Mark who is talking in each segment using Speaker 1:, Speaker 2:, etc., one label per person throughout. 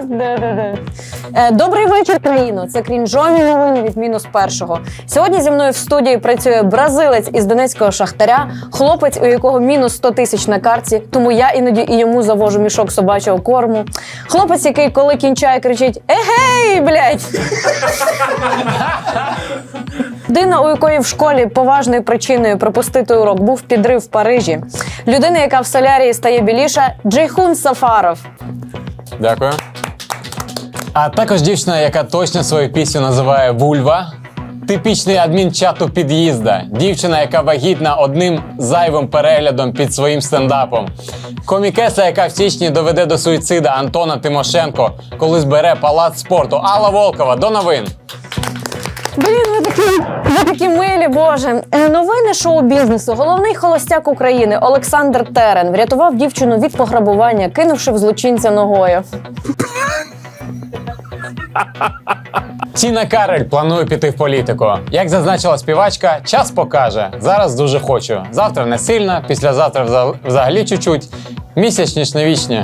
Speaker 1: Добрий вечір, країно. Це крінжові новини від мінус першого. Сьогодні зі мною в студії працює бразилець із донецького Шахтаря, хлопець, у якого мінус 100 тисяч на карті, тому я іноді і йому завожу мішок собачого корму. Хлопець, який коли кінчає, кричить «Егей, блядь!». Людина, у якої в школі поважною причиною пропустити урок був підрив в Парижі. Людина, яка в солярії стає біліша – Джейхун Сафаров.
Speaker 2: Дякую. А також дівчина, яка точно свою пісню називає «Вульва». Типічний адмін чату під'їзда. Дівчина, яка вагітна одним зайвим переглядом під своїм стендапом. Комікеса, яка в січні доведе до суїцида Антона Тимошенко, коли збере палац спорту. Алла Волкова. До новин.
Speaker 1: Блін, ви такі милі, боже. Новини шоу-бізнесу. Головний холостяк України Олександр Терен врятував дівчину від пограбування, кинувши в злочинця ногою.
Speaker 2: Тіна Кароль планує піти в політику. Як зазначила співачка, час покаже. Зараз дуже хочу. Завтра не сильно, післязавтра взагалі чуть-чуть. Місячні вічні.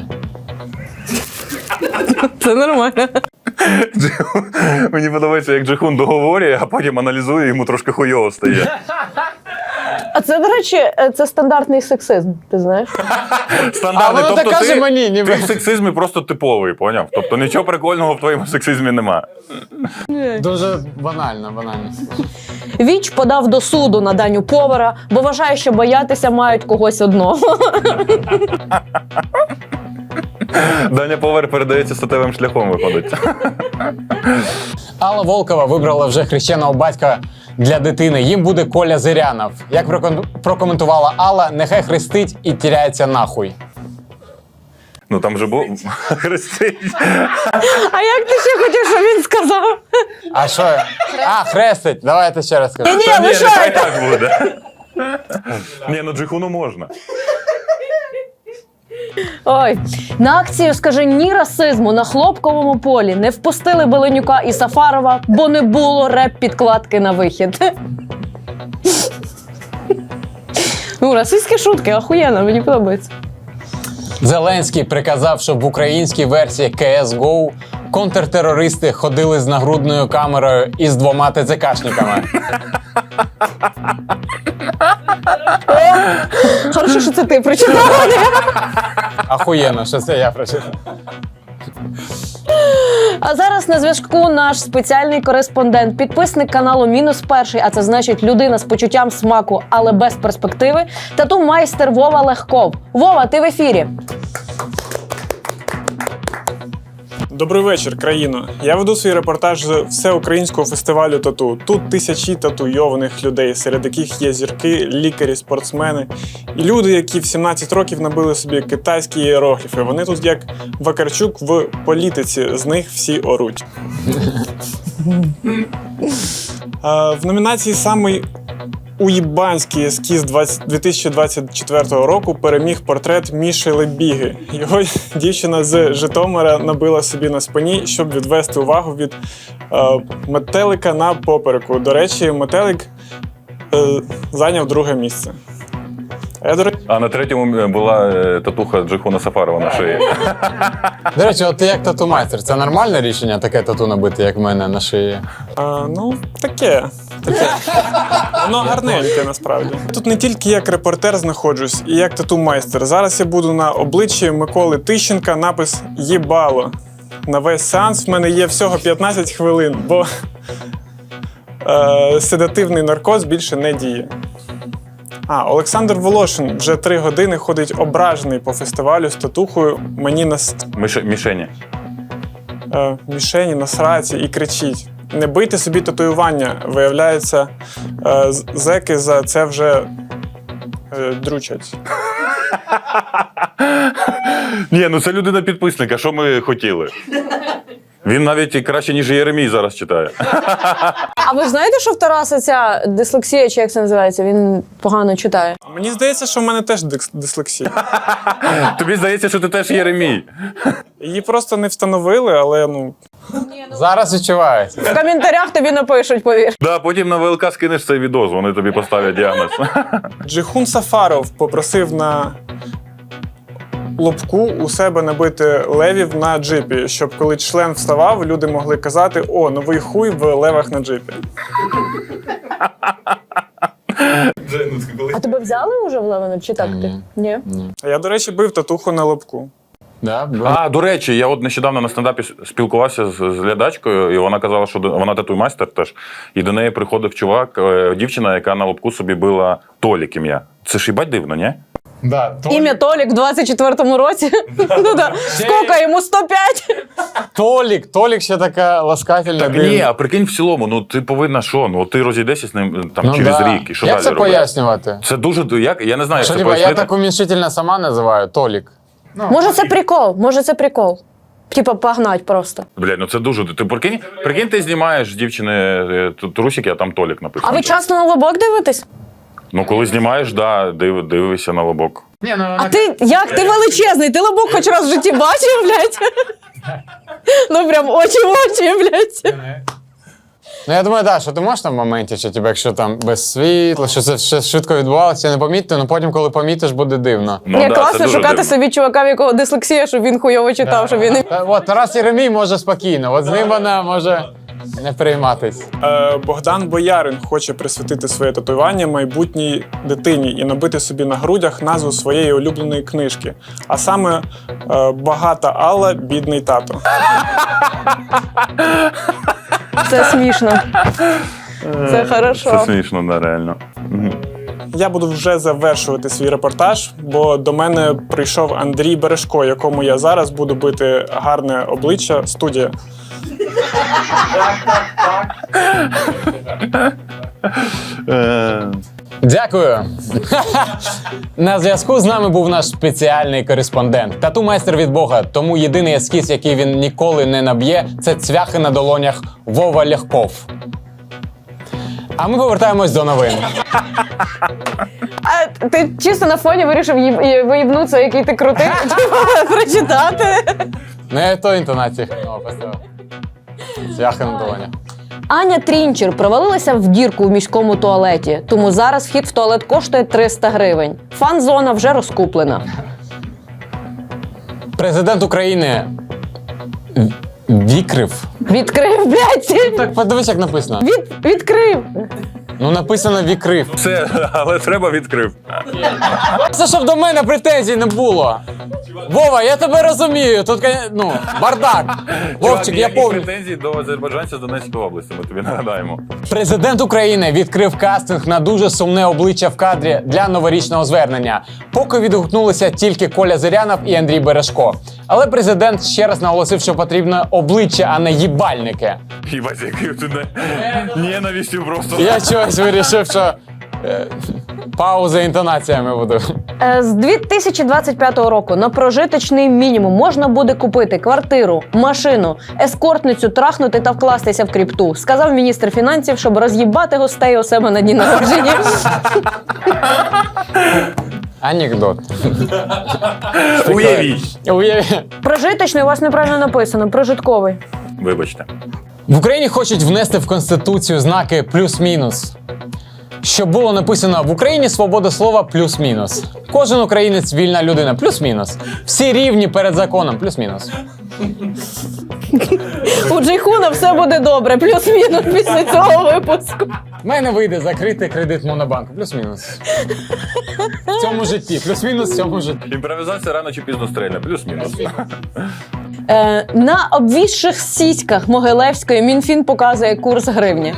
Speaker 1: Це нормально.
Speaker 3: Мені подобається, як Джейхун договорює, а потім аналізує, йому трошки хуйово стає.
Speaker 1: А це, до речі, це стандартний сексизм, ти знаєш?
Speaker 3: Стандартний.
Speaker 2: А воно так каже мені, ніби.
Speaker 3: Ти в сексизмі просто типовий, поняв? Тобто нічого прикольного в твоєму сексизмі нема.
Speaker 2: Дуже банально.
Speaker 1: Віч подав до суду на Даню Повара, бо вважає, що боятися мають когось одного.
Speaker 3: Даня Повар передається статевим шляхом, виходить.
Speaker 2: Алла Волкова вибрала вже хрещеного батька для дитини. Їм буде Коля Зирянов. Як прокоментувала Алла, нехай хрестить і тіряється нахуй.
Speaker 3: Ну там же був хрестить.
Speaker 1: А як ти ще хотів, щоб він сказав?
Speaker 2: А що? А, хрестить. Давайте ще раз скажу.
Speaker 1: Ні,
Speaker 3: Та ні,
Speaker 1: лишайте.
Speaker 3: нехай так буде. Ні, ну Джейхуну можна.
Speaker 1: Ой, на акцію «Скажи ні расизму» на Хлопковому полі не впустили Беленюка і Сафарова, бо не було реп-підкладки на вихід. Ну, расистські шутки, охуєнно, мені подобається.
Speaker 2: Зеленський приказав, щоб в українській версії CSGO контртерористи ходили з нагрудною камерою і з 2 ТЦКшниками.
Speaker 1: Хорошо, що це ти прочитала.
Speaker 2: Ахуєнно, що це я прочитав.
Speaker 1: А зараз на зв'язку наш спеціальний кореспондент, підписник каналу «Мінус перший», а це значить людина з почуттям смаку, але без перспективи, тату-майстер Вова Легков. Вова, ти в ефірі.
Speaker 4: Добрий вечір, країно. Я веду свій репортаж з всеукраїнського фестивалю тату. Тут тисячі татуйованих людей, серед яких є зірки, лікарі, спортсмени і люди, які в 17 років набили собі китайські іерогліфи. Вони тут як Вакарчук в політиці, з них всі оруть. В номінації «Самий уїбанський ескіз 2024 року» переміг портрет Міші Лебіги. Його дівчина з Житомира набила собі на спині, щоб відвести увагу від метелика на попереку. До речі, метелик зайняв 2-е місце.
Speaker 3: А на 3-му була татуха Джейхуна Сафарова на шиї.
Speaker 2: До речі, от ти як тату-майстер, це нормальне рішення таке тату набити, як в мене на шиї?
Speaker 4: Ну, таке. Воно гарненьке, насправді. Тут не тільки як репортер знаходжусь, і як тату-майстер. Зараз я буду на обличчі Миколи Тищенка напис «Єбало». На весь сеанс в мене є всього 15 хвилин, бо седативний наркоз більше не діє. Олександр Волошин вже 3 години ходить ображений по фестивалю з татухою мені на мішені, на сраці і кричить: не бийте собі татуювання. Виявляється, зеки за це вже дручать.
Speaker 3: Ні, ну це людина підписника, що ми хотіли? Він навіть краще, ніж Єремій зараз читає.
Speaker 1: А ви знаєте, що в Тараса ця дислексія, чи як це називається, він погано читає?
Speaker 4: Мені здається, що в мене теж дислексія.
Speaker 3: Тобі здається, що ти теж Єремій.
Speaker 4: Її просто не встановили, але
Speaker 2: Зараз відчувається.
Speaker 1: В коментарях тобі напишуть, повір.
Speaker 3: Да, потім на ВЛК скинеш цей відос, вони тобі поставлять діагноз.
Speaker 4: Джейхун Сафаров попросив на лобку у себе набити левів на джипі, щоб коли член вставав, люди могли казати: «О, новий хуй в левах на джипі».
Speaker 1: А тебе взяли вже в Левину, чи так ти? Ні.
Speaker 4: А я, до речі, бив татуху на лобку.
Speaker 2: Да?
Speaker 3: А, до речі, я от нещодавно на стендапі спілкувався з глядачкою, і вона казала, що вона татуй-майстер теж. І до неї приходив чувак, дівчина, яка на лобку собі била Толік ім'я. Це ж їбать дивно, ні?
Speaker 2: Да,
Speaker 1: Ім'я Толік в 24-му році. Ну да. Скільки йому? 105?
Speaker 2: Толік ще така ласкательна.
Speaker 3: Так ні, а прикинь в цілому, ну ти повинна що? Ну ти розійдешся з ним там через рік, і що
Speaker 2: як
Speaker 3: далі
Speaker 2: це
Speaker 3: робити?
Speaker 2: пояснювати?
Speaker 3: Це дуже, я не знаю, як
Speaker 2: Що,
Speaker 3: це
Speaker 2: типа, я
Speaker 3: пояснити.
Speaker 2: так уміншительно сама називаю Толік.
Speaker 1: Може це прикол, може це прикол. Типа погнать просто.
Speaker 3: Блядь, ну це дуже, ти прикинь, ти знімаєш дівчини трусики, а там Толік написано.
Speaker 1: А ви часто на лобок дивитесь?
Speaker 3: Ну коли знімаєш, да, дивишся на лобок.
Speaker 2: Ні, ну,
Speaker 1: А ти як? Ти величезний, ти лобок хоч раз в житті бачив, блядь? Ну прям очі в очі, блядь.
Speaker 2: Ну я думаю, да, що ти можеш там в моменті, що тебе, якщо там без світла, що це все швидко відбувалося, не помітити, але потім, коли помітиш, буде дивно.
Speaker 3: Ну,
Speaker 1: Ні,
Speaker 3: да,
Speaker 1: класно
Speaker 3: це дуже
Speaker 1: шукати
Speaker 3: дивно.
Speaker 1: собі чувака, в якого дислексія, щоб він хуйово читав, щоб він не...
Speaker 2: От Тарас Єремій може спокійно, от з ним вона може не прийматись.
Speaker 4: Богдан Боярин хоче присвятити своє татуювання майбутній дитині і набити собі на грудях назву своєї улюбленої книжки. А саме «Багата Алла, бідний тато».
Speaker 1: Це смішно. Це хорошо.
Speaker 3: Це смішно, да, реально.
Speaker 4: Я буду вже завершувати свій репортаж, бо до мене прийшов Андрій Бережко, якому я зараз буду бити гарне обличчя. Студія.
Speaker 2: Дякую. На зв'язку з нами був наш спеціальний кореспондент. Тату-майстер від Бога, тому єдиний ескіз, який він ніколи не наб'є, це цвяхи на долонях Вова Ляхков. А ми повертаємось до новин.
Speaker 1: А ти чисто на фоні вирішив виїбнутися, який ти крутий, прочитати.
Speaker 2: Не то інтонації хреново поставив. Цвяхи на долонях.
Speaker 1: Аня Трінчер провалилася в дірку у міському туалеті, тому зараз вхід в туалет коштує 300 гривень. Фан-зона вже розкуплена.
Speaker 2: Президент України відкрив.
Speaker 1: Відкрив, блядь!
Speaker 2: Так, подивись, як написано.
Speaker 1: Відкрив!
Speaker 2: Ну, написано «відкрив».
Speaker 3: Все, але треба відкрив.
Speaker 2: Це щоб до мене претензій не було. Вова, я тебе розумію. Тут, ну, бардак. Вовчик, я повністю.
Speaker 3: претензій до азербайджанця з Донецької області, ми тобі нагадаємо.
Speaker 2: Президент України відкрив кастинг на дуже сумне обличчя в кадрі для новорічного звернення. Поки відгукнулися тільки Коля Зирянов і Андрій Бережко. Але президент ще раз наголосив, що потрібно обличчя, а не їбальники.
Speaker 3: Їбать, який ти ненавистю просто.
Speaker 2: Я чогось вирішив, що пауза інтонаціями буду.
Speaker 1: З 2025 року на прожиточний мінімум можна буде купити квартиру, машину, ескортницю, трахнути та вкластися в кріпту, сказав міністр фінансів, щоб роз'їбати гостей у себе на дні народження.
Speaker 2: Анекдот.
Speaker 3: Уявіть.
Speaker 1: Прожиточний у вас неправильно написано, прожитковий.
Speaker 3: Вибачте.
Speaker 2: В Україні хочуть внести в Конституцію знаки плюс-мінус. Щоб було написано «В Україні свобода слова плюс-мінус». Кожен українець – вільна людина плюс-мінус. Всі рівні перед законом плюс-мінус.
Speaker 1: У Джейхуна все буде добре, плюс-мінус після цього випуску.
Speaker 2: В мене вийде закрити кредит Монобанку плюс-мінус. В цьому житті. Плюс-мінус в цьому житті.
Speaker 3: Імпровізація рано чи пізно стрельне, плюс-мінус.
Speaker 1: На обвісших сіськах Могилевської Мінфін показує курс гривні.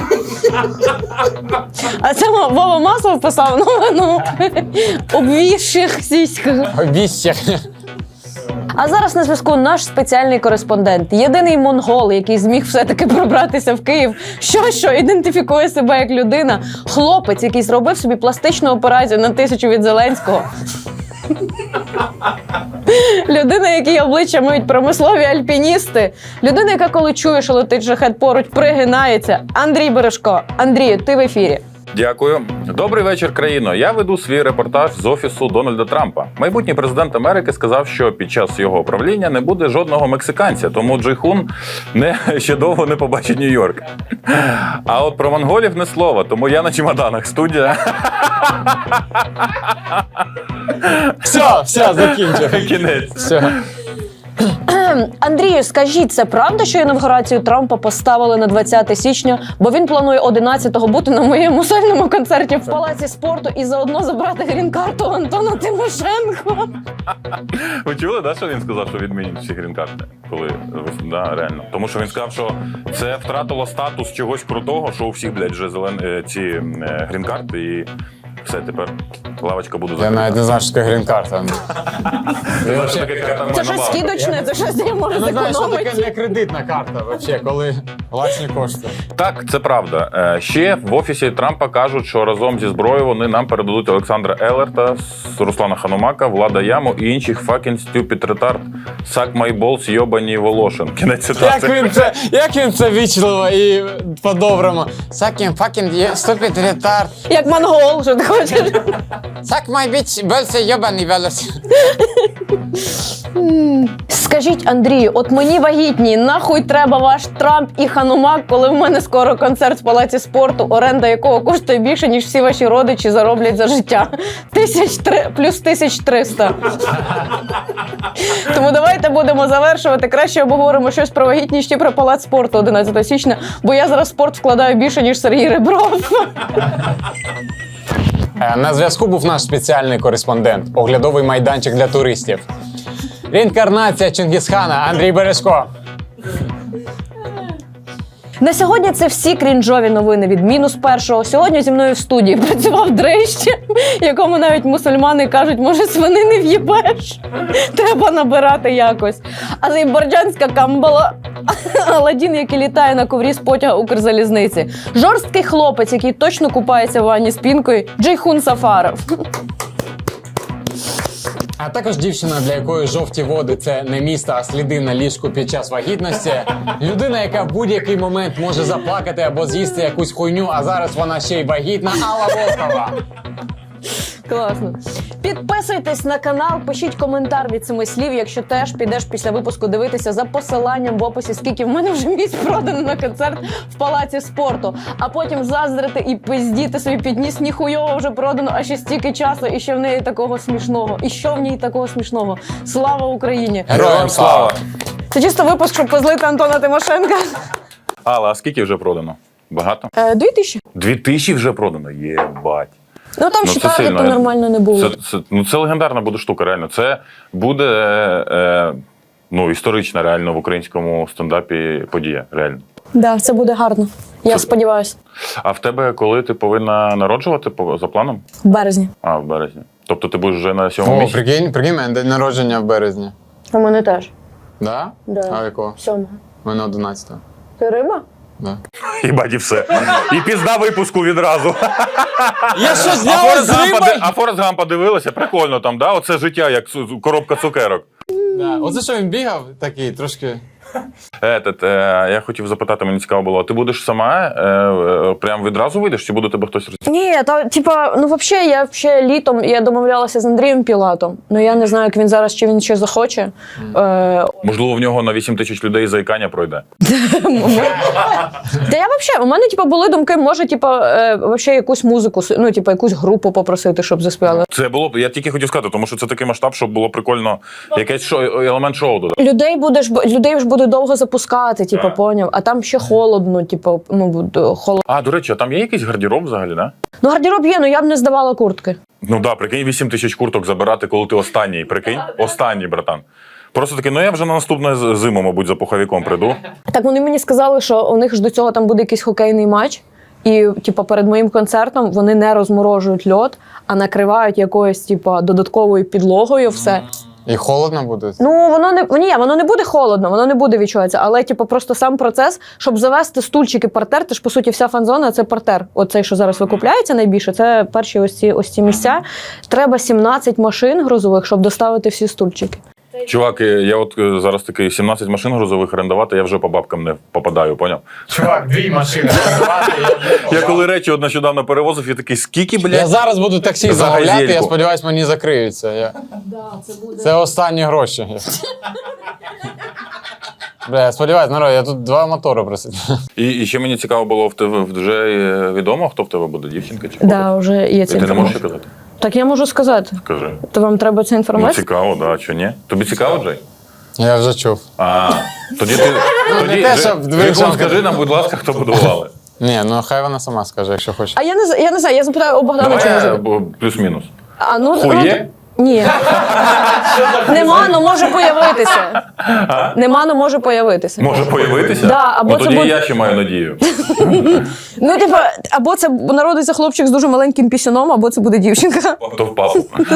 Speaker 1: А це Вова Маслов писав, ну, обвісших сіськах.
Speaker 2: Обіщах.
Speaker 1: А зараз на зв'язку наш спеціальний кореспондент, єдиний монгол, який зміг все-таки пробратися в Київ, що ідентифікує себе як людина, хлопець, який зробив собі пластичну операцію на 1000 від Зеленського. Людина, якій обличчя миють промислові альпіністи. Людина, яка коли чує, що летить шахет поруч, пригинається. Андрій Бережко. Андрію, ти в ефірі.
Speaker 3: Дякую. Добрий вечір, країно. Я веду свій репортаж з офісу Дональда Трампа. Майбутній президент Америки сказав, що під час його правління не буде жодного мексиканця, тому Джейхун ще довго не побачить Нью-Йорк. А от про монголів не слова, тому я на чемоданах. Студія.
Speaker 2: Все, закінчив.
Speaker 3: Кінець.
Speaker 2: Все.
Speaker 1: Андрію, скажіть, це правда, що інавгурацію Трампа поставили на 20 січня, бо він планує 11-го бути на моєму сольному концерті в Палаці спорту і заодно забрати грін-карту Антона Тимошенко?
Speaker 3: Ви чули, да, що він сказав, що відмінять всі грін-карти? Коли, да, реально. Тому що він сказав, що це втратило статус чогось крутого, що у всіх, блядь, вже ці грін-карти і все, тепер лавочка буде
Speaker 2: Я
Speaker 3: закрита.
Speaker 2: навіть не знаю, що таке грін-карта.
Speaker 1: Це щось скидочне, це щось я можу
Speaker 2: Я не знаю, що таке
Speaker 1: зекономити.
Speaker 2: не кредитна карта, взагалі, коли власні кошти.
Speaker 3: Так, це правда. Ще в офісі Трампа кажуть, що разом зі зброєю вони нам передадуть Олександра Елерта, Руслана Ханумака, Влада Яму і інших fucking stupid retard. Suck my balls, йобані Волошин. Кінець цитати.
Speaker 2: Як він це вічливо і по-доброму. Fucking stupid retard.
Speaker 1: Як монгол, що ти хочеш?
Speaker 2: Suck my bitch, бельце йобаний велос.
Speaker 1: Скажіть, Андрію, от мені вагітні, нахуй треба ваш Трамп і Ханумак, коли в мене скоро концерт в Палаці спорту, оренда якого коштує більше, ніж всі ваші родичі зароблять за життя. Плюс 1300. Тому давайте будемо завершувати. Краще обговоримо щось про вагітність чи про Палац спорту 11 січня, бо я зараз в спорт вкладаю більше, ніж Сергій Ребров.
Speaker 2: На зв'язку був наш спеціальний кореспондент, оглядовий майданчик для туристів. Реінкарнація Чингісхана Андрій Бережко.
Speaker 1: На сьогодні це всі крінжові новини від -1. Сьогодні зі мною в студії працював Дрищ, якому навіть мусульмани кажуть, може свинини в'їбеш? Треба набирати якось. Азербайджанська камбала, Аладдін, який літає на коврі з потяга Укрзалізниці. Жорсткий хлопець, який точно купається в ванні з пінкою, Джейхун Сафаров.
Speaker 2: А також дівчина, для якої жовті води – це не місто, а сліди на ліжку під час вагітності. Людина, яка в будь-який момент може заплакати або з'їсти якусь хуйню, а зараз вона ще й вагітна. Алла Волкова.
Speaker 1: Класно. Підписуйтесь на канал, пишіть коментар від 7 слів, якщо теж підеш після випуску дивитися за посиланням в описі, скільки в мене вже місць продано на концерт в Палаці спорту. А потім заздрити і пиздіти собі підніс, ніхуйово вже продано, а ще стільки часу, і що в неї такого смішного. І що в ній такого смішного. Слава Україні!
Speaker 2: Героям слава!
Speaker 1: Це чисто випуск, щоб позлити Антона Тимошенка.
Speaker 3: Алла, а скільки вже продано? Багато?
Speaker 1: 2000.
Speaker 3: 2000 вже продано? Єбать.
Speaker 1: Ну там
Speaker 3: Ну,
Speaker 1: ще
Speaker 3: це
Speaker 1: таргету
Speaker 3: сильно.
Speaker 1: нормально не було.
Speaker 3: Це легендарна буде штука, реально. Це буде історична реально в українському стендапі подія, реально.
Speaker 1: Да, це буде гарно. Я сподіваюся.
Speaker 3: А в тебе коли ти повинна народжувати за планом?
Speaker 1: В березні.
Speaker 3: А, в березні. Тобто ти будеш вже на 7-му
Speaker 2: О,
Speaker 3: місяці?
Speaker 2: прикинь, мене день народження в березні.
Speaker 1: У мене теж.
Speaker 2: Да?
Speaker 1: Да.
Speaker 2: А якого?
Speaker 1: 7.
Speaker 2: У мене 11-го.
Speaker 1: Ти риба?
Speaker 2: Да.
Speaker 3: Їбать, і все. І пізда випуску відразу.
Speaker 2: Я що,
Speaker 3: А Форест Гампа дивилася? Прикольно там, да? Оце життя, як коробка цукерок.
Speaker 2: Да. Оце що він бігав такий, трошки...
Speaker 3: Я хотів запитати, мені цікаво було, ти будеш сама, прям відразу вийдеш, чи буде тебе хтось роз...
Speaker 1: Ні, я літом я домовлялася з Андрієм Пілатом. Ну я не знаю, як він зараз, чи він ще захоче.
Speaker 3: Можливо, в нього на 8 тисяч людей заїкання пройде.
Speaker 1: Та я у мене були думки, може, якусь музику, якусь групу попросити, щоб заспівали.
Speaker 3: Це було б, я тільки хотів сказати, тому що це такий масштаб, щоб було прикольно якесь елемент шоу додати.
Speaker 1: Людей ж буде довго запускати, поняв, а там ще холодно, холодно.
Speaker 3: А, до речі, а там є якийсь гардероб взагалі, да?
Speaker 1: Ну, гардероб є, я б не здавала куртки.
Speaker 3: Ну да, прикинь, 8 тисяч курток забирати, коли ти останній, прикинь? Останній, братан. Просто таки, я вже на наступну зиму, мабуть, за пуховиком прийду.
Speaker 1: Так вони мені сказали, що у них ж до цього там буде якийсь хокейний матч, і перед моїм концертом вони не розморожують льод, а накривають якоюсь додатковою підлогою все.
Speaker 2: І холодно буде?
Speaker 1: Ну, воно не буде холодно, воно не буде відчуватися, але просто сам процес, щоб завести стульчики партер, це ж по суті вся фан-зона, це партер. Оцей, що зараз викупляється найбільше, це перші ось ці місця. Треба 17 машин грузових, щоб доставити всі стульчики.
Speaker 3: Чувак, я от зараз такий 17 машин грузових орендувати, я вже по бабкам не попадаю, поняв?
Speaker 2: Чувак, 2 машини.
Speaker 3: Я коли речі от нещодавно перевозив, я такий, скільки,
Speaker 2: Я
Speaker 3: блядь?
Speaker 2: зараз буду таксі
Speaker 3: За
Speaker 2: замовляти, я
Speaker 3: газельку.
Speaker 2: сподіваюся, мені закриються. Це останні гроші. Бля, я сподіваюся, народ, я тут 2 мотори просив.
Speaker 3: І ще мені цікаво було, в тебе вже відомо, хто в тебе буде, дівчинка чи хлопець?
Speaker 1: Да, вже є
Speaker 3: І
Speaker 1: ця
Speaker 3: ти не можеш
Speaker 1: інформація.
Speaker 3: казати?
Speaker 1: Так я можу сказати.
Speaker 3: Кажи.
Speaker 1: То вам треба ця
Speaker 3: Ну,
Speaker 1: інформація?
Speaker 3: цікаво, да, чи ні? Тобі цікаво, Джей?
Speaker 2: Я вже чув.
Speaker 3: А, тоді ти... Тоді,
Speaker 2: те, щоб
Speaker 3: Джей, скажи нам, будь ласка, хто будували.
Speaker 2: Ні, ну хай вона сама скаже, якщо хоче.
Speaker 1: А я не знаю, я запитаю у Богдана, чи може.
Speaker 3: Давай плюс-мінус.
Speaker 1: А, ну,
Speaker 3: Хує?
Speaker 1: Ні. Нема, ну може появитися. Нема, ну може появитися.
Speaker 3: Може появитися?
Speaker 1: Да, або
Speaker 3: ну,
Speaker 1: це
Speaker 3: тоді
Speaker 1: буде-
Speaker 3: я ще маю надію.
Speaker 1: Ну, типу, або це народиться хлопчик з дуже маленьким пісюном, або це буде дівчинка.
Speaker 3: То впав.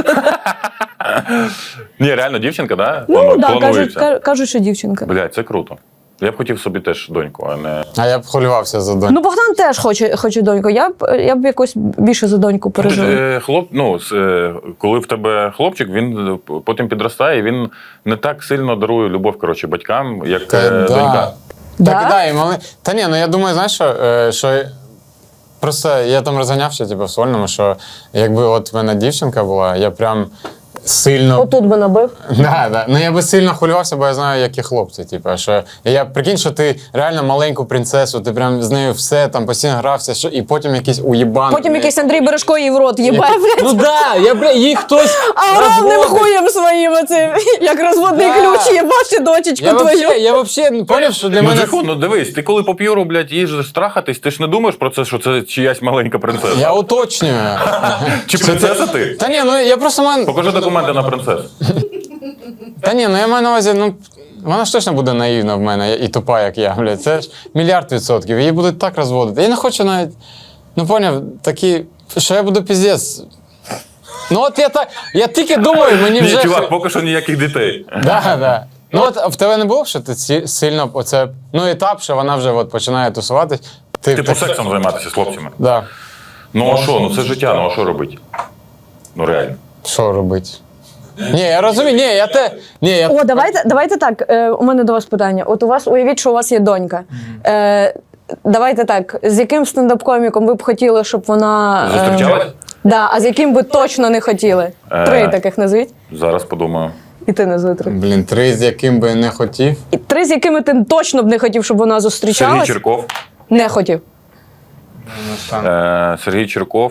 Speaker 3: Ні, реально дівчинка, да?
Speaker 1: Ну, так, да,
Speaker 3: Планується.
Speaker 1: кажуть, що дівчинка.
Speaker 3: Блядь, це круто. Я б хотів собі теж доньку, а не...
Speaker 2: А я б хвилювався за доньку.
Speaker 1: Ну, Богдан теж хоче доньку. Я б якось більше за доньку пережила.
Speaker 3: Коли в тебе хлопчик, він потім підростає, і він не так сильно дарує любов, коротше, батькам, як донька.
Speaker 1: Да?
Speaker 2: Так, да, і мали... Та ні, ну я думаю, знаєш, що просто я там розганявся, типу, в Сольному, що якби от в мене дівчинка була, я прям сильно.
Speaker 1: Отут би набив.
Speaker 2: Да. Ну я би сильно хвилювався, бо я знаю, які хлопці. Типу, що я прикинь, що ти реально маленьку принцесу, ти прям з нею все там постійно грався, що і потім якийсь уєбан.
Speaker 1: Потім якийсь Андрій Бережко їй в рот їбе, блядь.
Speaker 2: Ну да, їх хтось.
Speaker 1: А равним
Speaker 2: розводить.
Speaker 1: хуєм своїм оцим, як розводний
Speaker 2: Да.
Speaker 1: ключ, їбати дочечку твою.
Speaker 2: Я вообще поняв, що для
Speaker 3: Ну,
Speaker 2: мене.
Speaker 3: Джейхон, ну дивись, ти коли по п'юру, блядь, їжджеш страхатись, ти ж не думаєш про це, що це чиясь маленька принцеса?
Speaker 2: Я уточнюю.
Speaker 3: Чи принцеса ти?
Speaker 2: Та ні, ну я просто маю.
Speaker 3: Покажи документи на принцесу.
Speaker 2: Та ні, ну я маю на увазі, ну вона ж точно буде наївна в мене і тупа, як я, блядь. Це ж 1,000,000%. Її будуть так розводити. Я не хочу навіть, ну поняв, такі, що я буду піздець. Ну от я тільки думаю, мені
Speaker 3: Ні,
Speaker 2: вже.
Speaker 3: чувак, поки що ніяких дітей.
Speaker 2: Да. Ну от в тебе не було, що ти сильно оце, ну етап, що вона вже от починає тусуватись.
Speaker 3: Типу сексом займатися з хлопцями.
Speaker 2: Да.
Speaker 3: Ну а що, ну це життя, ну а що робити? Ну реально.
Speaker 2: Що робити? Ні, я розумію, ні,
Speaker 1: О, давайте так. У мене до вас питання. От у вас уявіть, що у вас є донька. Давайте так. З яким стендап-коміком ви б хотіли, щоб вона
Speaker 3: Зустрічалась?
Speaker 1: Да, а з яким би точно не хотіли? 3 таких назвіть.
Speaker 3: Зараз подумаю.
Speaker 1: І ти назви 3.
Speaker 2: Блін, 3, з яким би не хотів.
Speaker 1: І 3, з якими ти точно б не хотів, щоб вона
Speaker 3: Сергій
Speaker 1: зустрічалась.
Speaker 3: Черков.
Speaker 1: Не хотів.
Speaker 3: Сергій Черков.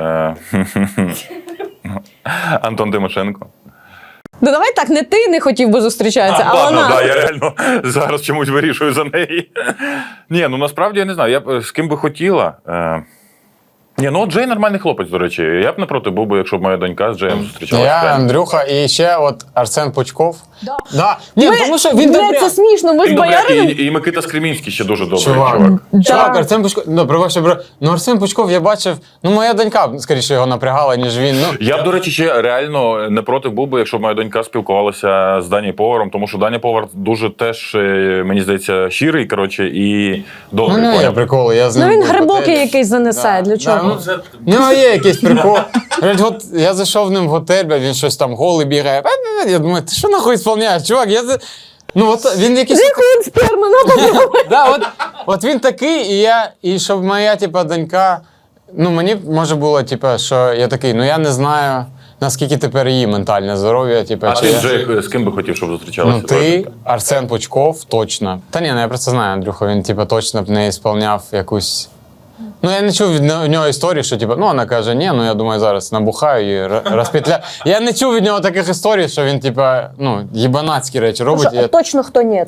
Speaker 3: Антон Тимошенко.
Speaker 1: Ну давай так, не ти не хотів би зустрічатися, а
Speaker 3: Ладно,
Speaker 1: вона.
Speaker 3: да, я реально зараз чомусь вирішую за неї. Ні, ну насправді я не знаю. Я б з ким би хотіла. Ні, ну от Джей нормальний хлопець, до речі. Я б не проти був би, якщо б моя донька з Джеєм зустрічалася.
Speaker 2: Я,
Speaker 3: реально.
Speaker 2: Андрюха, і ще от Арсен Пучков.
Speaker 1: Да.
Speaker 2: Да. Ні, тому що він
Speaker 1: Блядь,
Speaker 2: добряк.
Speaker 1: це смішно, ми з
Speaker 3: Він добряк,
Speaker 1: боярином.
Speaker 3: і Микита Скремінський ще дуже добрий
Speaker 2: Чувак.
Speaker 3: чувак.
Speaker 2: Чувак, Арсен Пучков, ну, пробачте, бро. Ну, Арсен Пучков я бачив, ну, моя донька, скоріше, його напрягала, ніж він. Ну,
Speaker 3: Я б, до речі, ще реально не проти був би, якщо б моя донька спілкувалася з Дані Поваром, тому що Даня Повар дуже теж, мені здається, щирий, коротше, і добрий.
Speaker 2: ну, не, я
Speaker 3: поняв?
Speaker 2: приколи, я з
Speaker 1: Ну
Speaker 2: ним
Speaker 1: він
Speaker 2: був в
Speaker 1: грибокий
Speaker 2: готелі.
Speaker 1: якийсь занесе. Для чого?
Speaker 2: В нього є якийсь прикол. Говорить, от я зайшов в ним в готель, бля, він щось там голий бігає. Я думаю, ти що нахуй сповняєш, чувак? Ну, от він якийсь.
Speaker 1: Він сперма набуває.
Speaker 2: Да, от він такий, і щоб моя, типа, донька. Ну, мені може було, типа, що я такий, ну я не знаю, наскільки тепер її ментальне здоров'я. Типа,
Speaker 3: А
Speaker 2: чи
Speaker 3: ти,
Speaker 2: я-
Speaker 3: Джей, з ким би хотів, щоб зустрічалася?
Speaker 2: Ну, ти, Арсен Пучков, точно. Та ні, ну я просто знаю, Андрюха, він, типа, точно б не сповняв якусь. Ну, я не чув від нього історії, що, типа, ну, вона каже, ні, ну, я думаю, зараз набухаю і розпетляю. Я не чув від нього таких історій, що він, типа, ну, їбанацькі речі робить.
Speaker 1: Що, точно хто ні.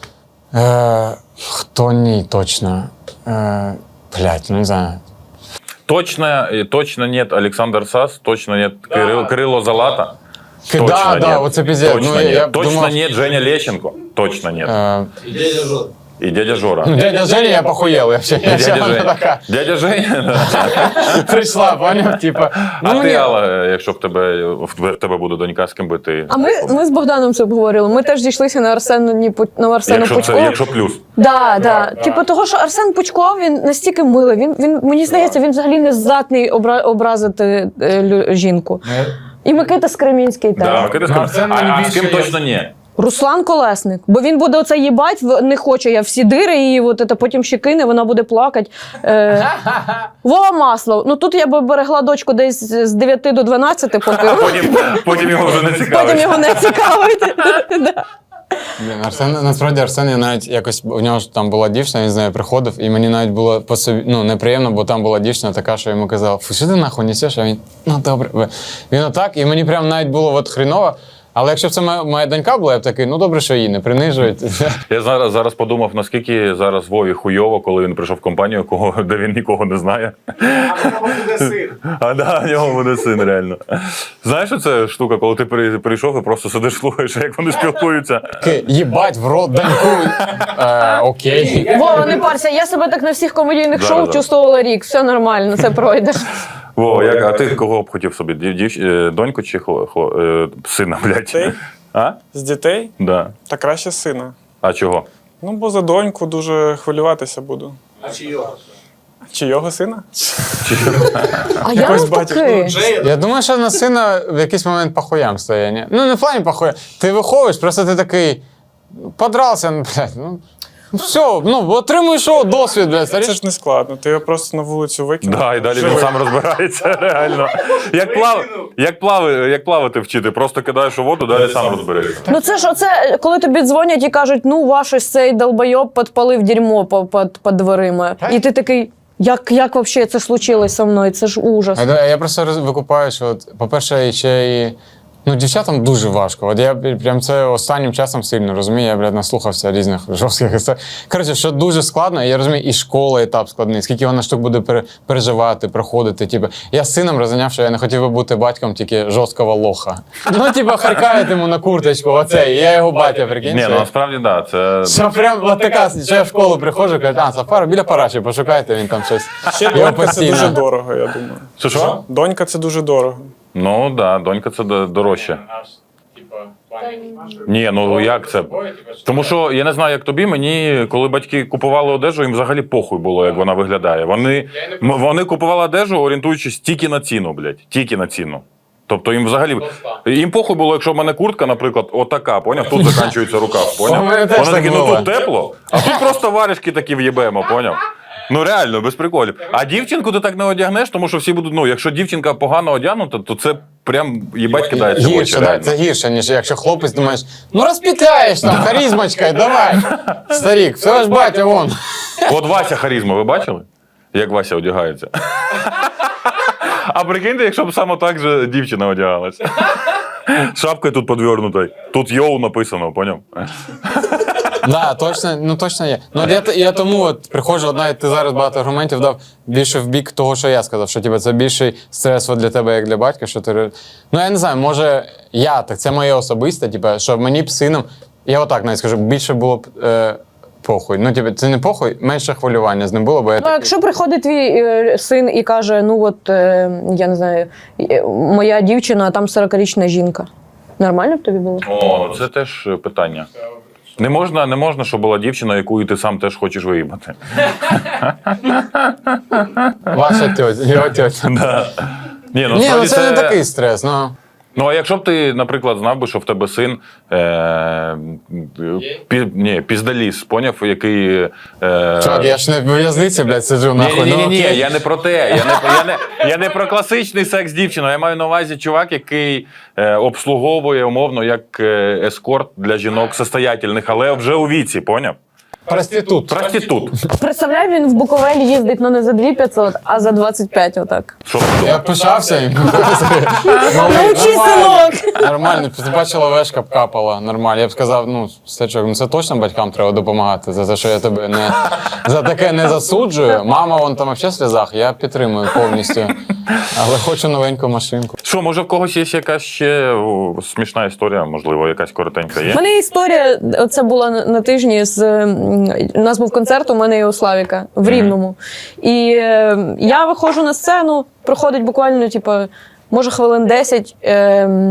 Speaker 2: Хто ні, точно. Блять, ну не знаю.
Speaker 3: Точно нет Олександр Сас, точно нет Кирило Залата.
Speaker 2: Да,
Speaker 3: нет.
Speaker 2: оце пиздец.
Speaker 3: Точно
Speaker 2: Ну,
Speaker 3: нет.
Speaker 2: я
Speaker 3: Точно
Speaker 2: думав-
Speaker 3: нет Женя Лещенко. Точно нет. И дядя Жора.
Speaker 2: Ну, дядя Женя, я похуєл. Я ще
Speaker 3: Дядя
Speaker 2: вона
Speaker 3: Женя.
Speaker 2: така
Speaker 3: Дядя Женя.
Speaker 2: прийшла, поняв? Типа,
Speaker 3: А
Speaker 2: ну,
Speaker 3: ти,
Speaker 2: ні.
Speaker 3: Алла, якщо в тебе буде донька, з ким би ти.
Speaker 1: А ми з Богданом це обговорили. Ми теж дійшлися на Арсену Пучкову.
Speaker 3: Якщо плюс.
Speaker 1: Да. Типу того, що Арсен Пучков, він настільки милий. Він мені здається, він взагалі не здатний образити жінку. І Микита Скремінський теж.
Speaker 3: Да, Микита
Speaker 2: Ну, Арсен мені
Speaker 3: а з ким
Speaker 2: більше
Speaker 3: точно ні?
Speaker 1: Руслан Колесник. Бо він буде оце їбать, не хоче я всі дири, і от це потім ще кине, вона буде плакати. Вова Маслов. Ну тут я би берегла дочку десь з 9 до 12, поки
Speaker 3: Потім його вже не
Speaker 1: потім
Speaker 3: цікавить.
Speaker 1: його не цікавить. Да.
Speaker 2: Блін, Арсен, насправді Арсен, я навіть якось у нього ж там була дівчина, він з нею приходив, і мені навіть було по собі неприємно, бо там була дівчина така, що йому казала, фу, що ти нахуй несеш? А він, ну добре. Він отак, і мені прям навіть було от хріново. Але якщо б це моя донька була, я б такий, ну добре, що її не принижують.
Speaker 3: Я зараз подумав, наскільки зараз Вові хуйово, коли він прийшов в компанію, де він нікого не знає. А да, в нього буде син, реально. Знаєш, що це штука, коли ти прийшов і просто сидиш, слухаєш, як вони спілкуються?
Speaker 2: Їбать, в рот доньку. Окей.
Speaker 1: Вова, не парся, я себе так на всіх комедійних
Speaker 3: Зараз,
Speaker 1: шоу
Speaker 3: зараз.
Speaker 1: чувствувала рік. Все нормально, це пройдеш.
Speaker 3: Вова, а ти кого б хотів собі? Доньку чи сина, блядь?
Speaker 4: Дітей?
Speaker 3: А?
Speaker 4: З дітей?
Speaker 3: Да.
Speaker 4: Та краще сина.
Speaker 3: А чого?
Speaker 4: Ну, бо за доньку дуже хвилюватися буду. А чийого сина?
Speaker 1: А я
Speaker 4: Якось батюшка.
Speaker 1: навпаки.
Speaker 2: Я думаю, що на сина в якийсь момент похуям стає, ні? Ну, не в плані похуям. Ти виховуєш, просто ти такий, подрался, блядь, ну, все, ну, отримуєш досвід, блядь,
Speaker 4: Це ж не складно. Ти його просто на вулицю викинув.
Speaker 3: Да, і далі він сам розбирається, реально. Як плавати вчити, просто кидаєш у воду, далі сам розберешся.
Speaker 1: Ну це ж оце, коли тобі дзвонять і кажуть, ну ваш ось цей долбойоб підпалив дерьмо під дверима. І ти такий, як взагалі це случилось со мною? Це ж ужас.
Speaker 2: Я просто викупаю, що, по-перше, ще і. Ну, дівчатам дуже важко. От я прям це останнім часом сильно розумію. Я, блядь, наслухався різних жорстких історій. Коротше, що дуже складно, я розумію, і школа етап складний, скільки вона штук буде переживати, проходити. Типу, я з сином розганяв, що я не хотів би бути батьком тільки жорсткого лоха. Ну, типу, харкають йому на курточку, оцей, я його батя, прикинь.
Speaker 3: Ні, ну насправді, да, це...
Speaker 2: Що прям от така, що я в школу приходжу, кажуть, Сафара, біля параші, пошукайте, він там щось.
Speaker 4: Ще
Speaker 2: Його
Speaker 4: донька це
Speaker 2: постійно.
Speaker 4: дуже дорого, я думаю.
Speaker 3: Що?
Speaker 4: Донька це дуже дорого.
Speaker 3: Ну, да, донька це дорожче. Ні, ну як це? Тому що я не знаю, як тобі, мені, коли батьки купували одежу, їм взагалі похуй було, як вона виглядає. Вони купували одежу, орієнтуючись тільки на ціну, блядь. Тільки на ціну. Тобто їм взагалі. Їм похуй було, якщо в мене куртка, наприклад, отака, поняв? Тут закінчується рукав, поняв?
Speaker 2: У мене теж
Speaker 3: Вони
Speaker 2: так
Speaker 3: такі, ну
Speaker 2: було.
Speaker 3: тут тепло, а тут просто варежки такі в'єбемо, поняв? Ну реально, без приколів. А дівчинку ти так не одягнеш, тому що всі будуть, ну, якщо дівчинка погано одягнута, то це прям їбать кидається в очі.
Speaker 2: Гірше, да,
Speaker 3: реально.
Speaker 2: це гірше, ніж якщо хлопець думаєш, ну розпітляєш там, харізмочкою, давай. Старік, все ж батя вон.
Speaker 3: От Вася харізма, ви бачили? Як Вася одягається? А прикиньте, якщо б саме так же дівчина одягалась. Шапкою тут подвернута, тут йоу написано, поняв?
Speaker 2: Да, точно є. Ну, я тому от приходжу, навіть ти зараз багато аргументів дав більше в бік того, що я сказав, що типу, це більший стрес от для тебе, як для батька, що ти. Ну, я не знаю, може, так це моє особисте, типу, що мені б сином, я отак навіть скажу, більше було б похуй. Ну, типу, це не похуй, менше хвилювання з ним було, бо я
Speaker 1: Ну,
Speaker 2: такий...
Speaker 1: якщо приходить твій син і каже, ну от, я не знаю, моя дівчина, а там 40-річна жінка. Нормально б тобі було?
Speaker 3: О, це теж питання. Не можна, щоб була дівчина, яку і ти сам теж хочеш виїбати.
Speaker 2: Ваша тьотя, його тьотя.
Speaker 3: Ні, ну,
Speaker 2: Ні, ну
Speaker 3: насправді
Speaker 2: це не такий стрес, ну.
Speaker 3: Ну, а якщо б ти, наприклад, знав би, що в тебе син піздаліс, поняв, який...
Speaker 2: Чувак, я ж не в в'язниці, блядь, сиджу, нахуй.
Speaker 3: Ні,
Speaker 2: ну, окей.
Speaker 3: я не про те. Я не про класичний секс з дівчиною. Я маю на увазі чувак, який обслуговує умовно як ескорт для жінок состоятельних, але вже у віці, поняв?
Speaker 2: Проститут.
Speaker 3: Проститут.
Speaker 1: Представляй, він в Буковель їздить, ну не за 2500, а за 25 отак.
Speaker 3: Що ти
Speaker 2: Я
Speaker 3: думаєш?
Speaker 2: пишався їм.
Speaker 1: Научи, синок!
Speaker 2: Нормально, ти бачила, вешка б капала, нормально. Я б сказав, ну, Стечок, ну це точно батькам треба допомагати, за те, що я тебе не за таке не засуджую. Мама, вон там взагалі в сльозах, я підтримую повністю. Але хочу новеньку машинку.
Speaker 3: Що, може в когось є якась ще смішна історія, можливо, якась коротенька
Speaker 1: У
Speaker 3: є?
Speaker 1: мене історія, це була на тижні, у нас був концерт у мене і у Славіка в Рівному. І я виходжу на сцену, проходить буквально, типу, може хвилин 10,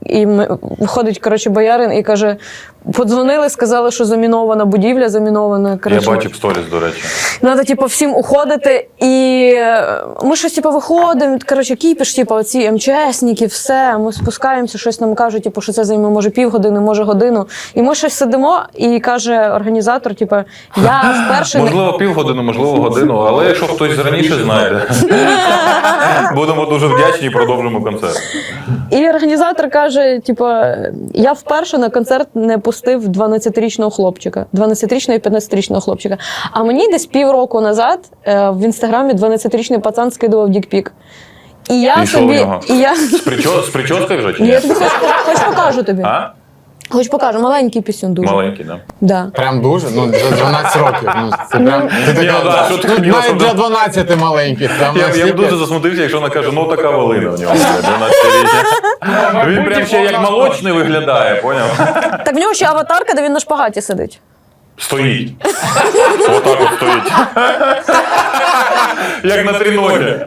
Speaker 1: і виходить, коротше, боярин і каже, подзвонили, сказали, що замінована будівля, замінована. Коротше,
Speaker 3: Я бачив сторіс, до речі.
Speaker 1: треба, типу, всім уходити. І ми щось, типу, виходимо, коротше, кіпіш, типу, оці МЧСники, все, ми спускаємося, щось нам кажуть, типу, що це займе, може, півгодини, може, годину. І ми щось сидимо, і каже організатор, типу, я вперше...
Speaker 3: Можливо, півгодини, можливо, годину, але якщо хтось раніше знайде, будемо дуже вдячні і продовжимо концерт.
Speaker 1: І організатор каже, типу, я вперше на концерт не пустив 12-річного хлопчика, 12-річного і 15-річного хлопчика. А мені десь півроку назад в інстаграмі 12-річний пацан скидував дікпік. І я
Speaker 3: І що в
Speaker 1: собі...
Speaker 3: нього?
Speaker 1: І я...
Speaker 3: З прическою вже чи
Speaker 1: Я
Speaker 3: ні?
Speaker 1: тобі хоч покажу тобі.
Speaker 3: А?
Speaker 1: Хоч покажу, маленький пісюн дуже.
Speaker 3: Маленький, так.
Speaker 1: Да.
Speaker 2: Прям дуже? Ну, для 12 років. Ну, це прям... Ти така,
Speaker 3: ну да, що ти
Speaker 2: ну,
Speaker 3: хотіла
Speaker 2: навіть
Speaker 3: сказати?
Speaker 2: для 12 маленьких. Там
Speaker 3: Я б
Speaker 2: настільки-
Speaker 3: дуже засмутився, якщо вона каже, ну така волина в нього, 12-річна. Він прям ще як молочний виглядає, поняв?
Speaker 1: Так в нього ще аватарка, де він на шпагаті сидить.
Speaker 3: Стоїть. Отак от стоїть. Як на тріногі.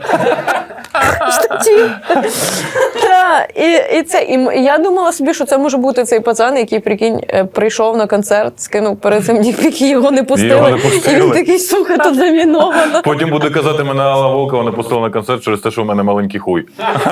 Speaker 1: І я думала собі, що це може бути цей пацан, який, прикинь, прийшов на концерт, скинув перед цим дікпік, і його не пустили.
Speaker 3: Його не пустили.
Speaker 1: І він такий, сука, тут заміновано.
Speaker 3: Потім буде казати, мене Алла Волкова не пустила на концерт через те, що в мене маленький хуй.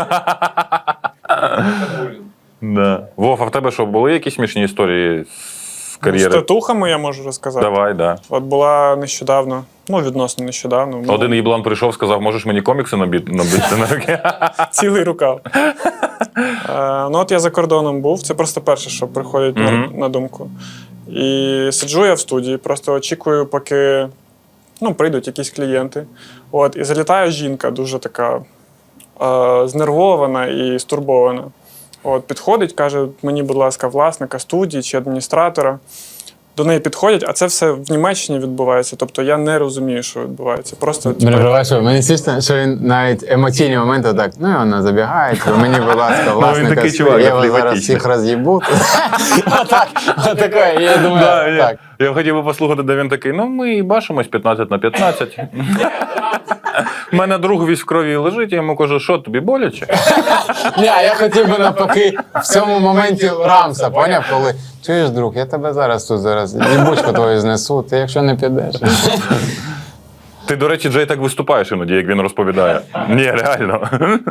Speaker 3: Да. Вов, а в тебе що, були якісь смішні історії з
Speaker 4: З
Speaker 3: кар'єри?
Speaker 4: татухами я можу розказати.
Speaker 3: Давай, да.
Speaker 4: От була нещодавно, ну, відносно нещодавно. ну,
Speaker 3: Один їблан прийшов, сказав, можеш мені комікси набити на руки?
Speaker 4: Цілий рукав. Ну, от я за кордоном був, це просто перше, що приходить на думку. І сиджу я в студії, просто очікую, поки прийдуть якісь клієнти. От, і залітає жінка, дуже така знервована і стурбована. От, підходить, каже, мені, будь ласка, власника студії чи адміністратора. До неї підходять, а це все в Німеччині відбувається. Тобто я не розумію, що відбувається. Просто
Speaker 2: Мені смішно, що він навіть емоційні моменти так, ну і вона забігає, мені, будь ласка, власника,
Speaker 3: такий чувак,
Speaker 2: я вас зараз
Speaker 3: флегматичний.
Speaker 2: всіх роз'їбу. Отаке, я думаю, так.
Speaker 3: Я хотів би послухати, де він такий, ну ми бачимось 15/15. У мене друг весь в крові лежить, я йому кажу, що тобі боляче?
Speaker 2: Ні, а я хотів би навпаки в цьому моменті Рамса, поняв, коли чуєш, друг, я тебе зараз їбучку твою знесу, ти якщо не підеш.
Speaker 3: Ти, до речі, Джей так виступаєш іноді, як він розповідає. Ні, реально.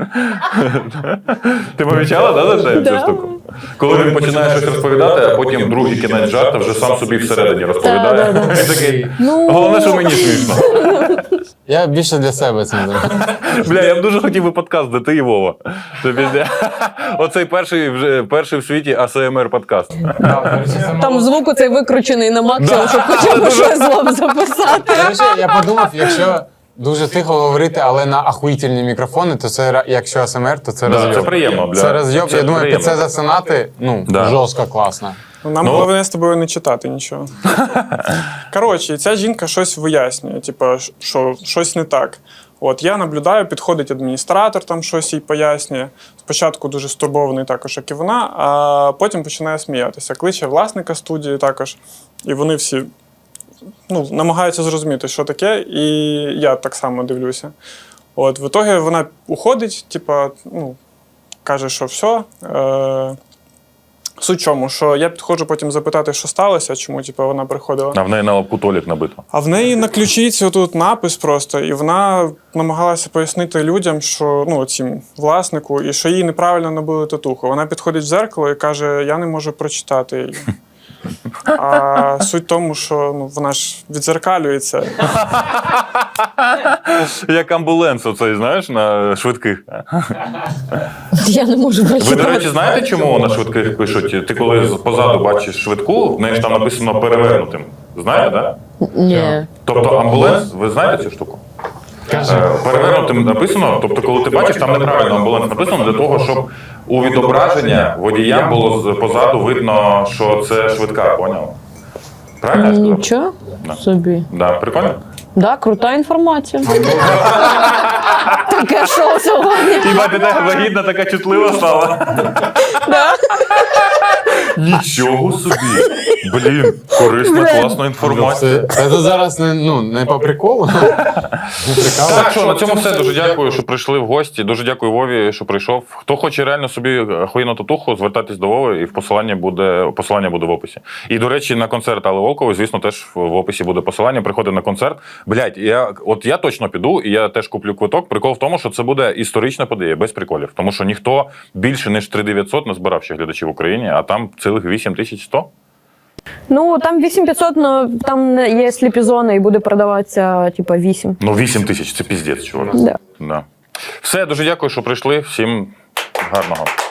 Speaker 3: Ти помічала, да, за Джеєм цю штуку? Коли він починає щось розповідати, а потім другий кінець жарта вже сам собі всередині розповідає. Він такий, головне, що мені смішно.
Speaker 2: Я більше для себе цим зроблю.
Speaker 3: Бля, я б дуже хотів би подкаст, де ти і Вова. Оцей перший в світі АСМР подкаст.
Speaker 1: Там звук цей викручений на максимум, щоб хоча б щось вам записати.
Speaker 2: Я подумав, якщо дуже тихо говорити, але на ахуїтельні мікрофони, то це, якщо АСМР, то це розйоб.
Speaker 3: Це приємно, бля.
Speaker 2: Це розйоб,
Speaker 3: Це
Speaker 2: я думаю, під
Speaker 3: приємно.
Speaker 2: це засинати,
Speaker 3: Да.
Speaker 2: жорстко класно.
Speaker 4: Нам головне з тобою не читати нічого. Коротше, ця жінка щось вияснює, типу, що щось не так. От я наблюдаю, підходить адміністратор, там щось їй пояснює. Спочатку дуже стурбований також, як і вона, а потім починає сміятися. Кличе власника студії також. І вони всі намагаються зрозуміти, що таке, і я так само дивлюся. От, в ітогі вона уходить, типу, каже, що все. Суть в чому, що я підходжу потім запитати, що сталося, чому вона приходила.
Speaker 3: А в неї на лобку Толік набито.
Speaker 4: А в неї на ключиці отут напис просто, і вона намагалася пояснити людям, що цим власнику, і що їй неправильно набили татуху. Вона підходить в дзеркало і каже, я не можу прочитати її. А суть в тому, що вона ж відзеркалюється.
Speaker 3: Як амбуленс оцей, знаєш, на швидких.
Speaker 1: Я не можу
Speaker 3: Ви,
Speaker 1: прочитати.
Speaker 3: до речі, знаєте, чому на швидких пишуть? Ти коли позаду бачиш швидку, в неї ж там написано перевернутим. Знаєте, так?
Speaker 1: Ні.
Speaker 3: Тобто амбуленс, ви знаєте цю штуку? Перевернутим написано, тобто коли ти бачиш, там неправильно амбуленс написано для того, щоб у відображення водіям було позаду видно, що це швидка, поняв? Правильно я сказав?
Speaker 1: Нічого
Speaker 3: Да.
Speaker 1: собі.
Speaker 3: Да, прикольно?
Speaker 1: Да, крута інформація. Таке шоу сьогодні.
Speaker 3: Хіба ти така вагітна, така чутлива стала? Нічого собі. Блін, корисна, класна інформація.
Speaker 2: Це зараз не по приколу. Не прикалу.
Speaker 3: Так що, на цьому все. Дуже дякую, що прийшли в гості. Дуже дякую Вові, що прийшов. Хто хоче реально собі охуєнну татуху, звертайтесь до Вови, і посилання буде в описі. І, до речі, на концерт Алли Волкової, звісно, теж в описі буде посилання. Приходьте на концерт. Блядь, я точно піду, і я теж куплю квиток. Прикол в тому, що це буде історична подія, без приколів. Тому що ніхто більше, ніж 3900 не збирав ще глядачів в Україні, а там цілих 8100.
Speaker 1: Ну, там 8500, але там є сліпі-зони і буде продаватися, типа, 8.
Speaker 3: Ну, 8000 – це піздець, чувак.
Speaker 1: Да.
Speaker 3: Да. Все, дуже дякую, що прийшли. Всім гарного.